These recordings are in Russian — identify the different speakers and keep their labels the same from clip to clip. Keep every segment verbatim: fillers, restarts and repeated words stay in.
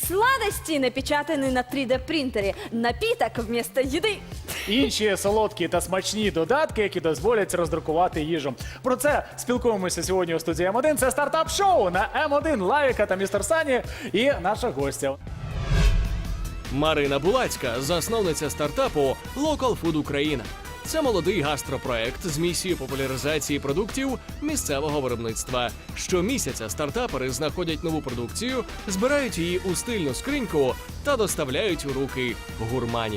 Speaker 1: Сладости, напечатанные на три дэ принтере. Напиток вместо еды.
Speaker 2: Інші солодкі та смачні додатки, які дозволять роздрукувати їжу. Про це спілкуємося сьогодні у студії М один. Це стартап-шоу на М один. Лавіка та містер Сані і наша гостя.
Speaker 3: Марина Булацька, засновниця стартапу Local Food Україна. Це молодий гастропроект з місією популяризації продуктів місцевого виробництва. Щомісяця стартапери знаходять нову продукцію, збирають її у стильну скриньку та доставляють у руки гурманів.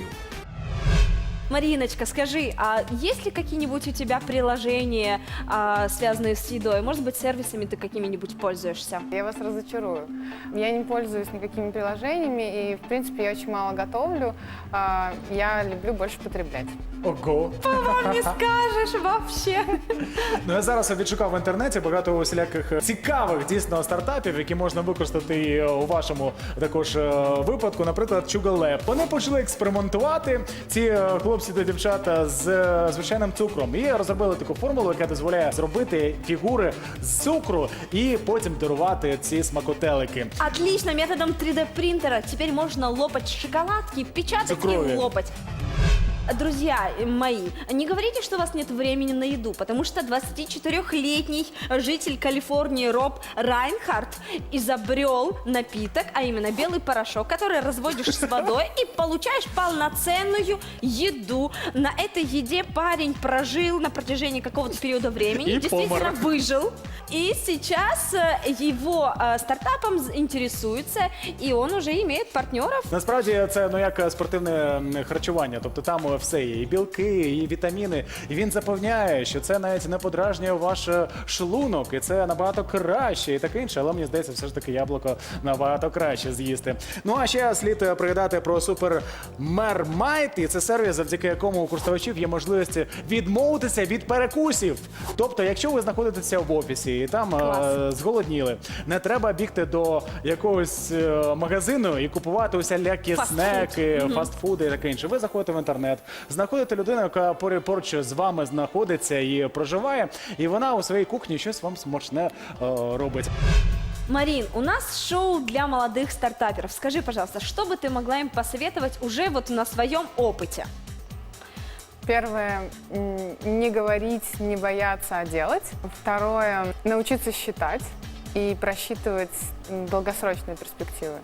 Speaker 1: Мариночка, скажи, а есть ли какие-нибудь у тебя приложения, а, связанные с едой? Может быть, сервисами ты какими-нибудь пользуешься?
Speaker 4: Я вас разочарую. Я не пользуюсь никакими приложениями и, в принципе, я очень мало готовлю. А, Я люблю больше потреблять.
Speaker 2: Ого!
Speaker 1: Вам не скажешь вообще.
Speaker 2: Ну, я зараз відшукав в інтернеті багато усіляких цікавих дійсно стартапів, які можна використати і у вашому також е, випадку. Наприклад, Sugar Lab. Вони почали експериментувати, ці е, хлопці та дівчата, з е, звичайним цукром. І розробили таку формулу, яка дозволяє зробити фігури з цукру і потім дарувати ці смакотелики.
Speaker 1: Отлично, методом три дэ принтера теперь можно лопать шоколадки, печатать
Speaker 2: Цукровые.
Speaker 1: и лопать. Друзья мои, не говорите, что у вас нет времени на еду, потому что двадцатичетырёхлетний житель Калифорнии Роб Райнхард изобрел напиток, а именно белый порошок, который разводишь с водой и получаешь полноценную еду. На этой еде парень прожил на протяжении какого-то периода времени,
Speaker 2: И
Speaker 1: действительно
Speaker 2: помер.
Speaker 1: выжил. И сейчас э, его э, стартапом интересуется, и он уже имеет партнеров.
Speaker 2: Насправді це ну як спортивне м, харчування, тобто там все є, і білки, і вітаміни. І він запевняє, що це навіть не подражнює ваш е, шлунок, і це набагато краще, і таке інше. Але мені здається, все ж таки яблуко набагато краще з'їсти. Ну а ще слід е, пригадати про Супер Мермайт, і це сервіс, завдяки якому у користувачів є можливість відмовитися від перекусів. Тобто, якщо ви знаходитеся в офісі і там е, зголодніли, не треба бігти до якогось е, магазину і купувати усілякі
Speaker 1: Фастфуд.
Speaker 2: снеки, фастфуди і таке інше. Ви заходите в інтернет, знаходите людину, яка поряд- поруч з вами знаходиться і проживає, і вона у своїй кухні щось вам смачне е, робить.
Speaker 1: Марин, у нас шоу для молодых стартаперов. Скажи, пожалуйста, что бы ты могла им посоветовать уже вот на своем опыте?
Speaker 4: Первое – м, не говорить, не бояться, а делать. Второе – научиться считать и просчитывать м, долгосрочные перспективы.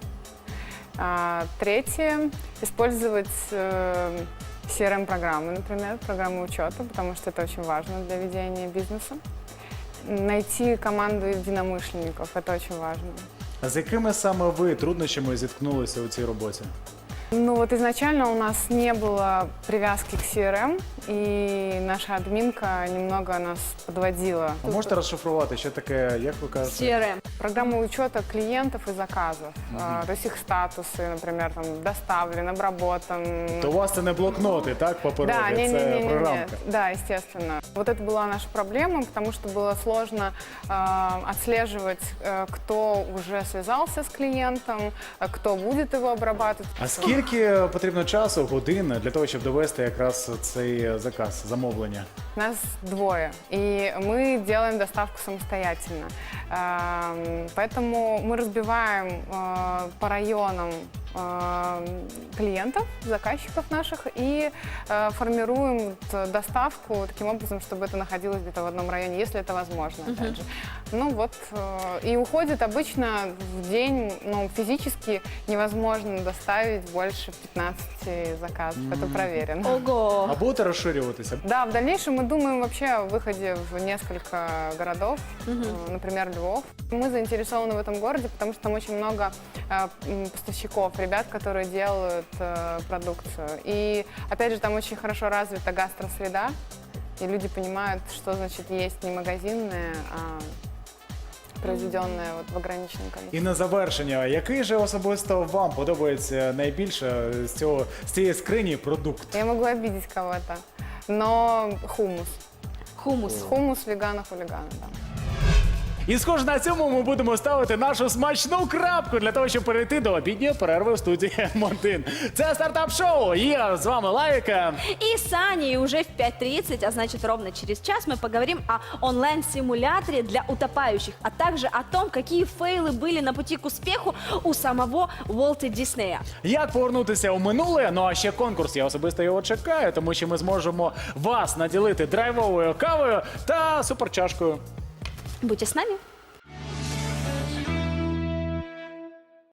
Speaker 4: А, Третье – использовать э, си эр эм-программы, например, программы учета, потому что это очень важно для ведения бизнеса. Найти команду единомышленников – это очень важно.
Speaker 2: А з якими саме ви труднощами зіткнулися у цій роботі?
Speaker 4: Ну вот изначально у нас не было привязки к си эр эм, и наша админка немного нас подводила.
Speaker 2: А можете розшифрувати, що таке, як ви кажете?
Speaker 1: си эр эм.
Speaker 4: Программа учета клиентов и заказов, а, то есть их статусы, например, там, доставлен, обработан.
Speaker 2: То у вас це не блокноти, так, паперові,
Speaker 4: Да, не, не,
Speaker 2: це
Speaker 4: не, не,
Speaker 2: програмка.
Speaker 4: да, естественно. Вот это была наша проблема, потому что было сложно э, отслеживать, э, кто уже связался с клиентом, э, кто будет его обрабатывать.
Speaker 2: А скільки потрібно часу, годин для того, щоб довести якраз цей заказ, замовлення?
Speaker 4: Нас двое, и мы делаем доставку самостоятельно. Эм, Поэтому мы разбиваем э, по районам э, клиентов, заказчиков наших и э, формируем вот доставку таким образом, чтобы это находилось где-то в одном районе, если это возможно, опять же. Ну вот, э, и уходит обычно в день, ну, физически невозможно доставить больше пятнадцати заказов, это проверено.
Speaker 1: Ого!
Speaker 2: А будете розширюватися?
Speaker 4: Да, в дальнейшем мы думаем вообще о выходе в несколько городов, э, например, Львов. Мы заинтересованы в этом городе, потому что там очень много э, м, поставщиков, ребят, которые делают э, продукцию. И, опять же, там очень хорошо развита гастросреда, и люди понимают, что значит есть не магазинное, а произведенное вот в ограниченном количестве.
Speaker 2: І на завершення, який же особисто вам подобається найбільше з цього з цієї скрині продукт?
Speaker 4: Я могу обидеть кого-то, но хумус.
Speaker 1: Хумус.
Speaker 4: Хумус вегана-хулигана, да.
Speaker 2: І схоже на цьому ми будемо ставити нашу смачну крапку для того, щоб перейти до обідньої перерви в студії Ем один. Це стартап-шоу. Я з вами Лайка.
Speaker 1: И с Аней уже в пять тридцать, а значит ровно через час, мы поговорим о онлайн-симуляторе для утопающих, а также о том, какие фейлы были на пути к успеху у самого Уолта Диснея.
Speaker 2: Як повернутися у минуле? Ну а ще конкурс. Я особисто його чекаю, тому що ми зможемо вас наділити драйвовою кавою та суперчашкою.
Speaker 1: Будьте с нами.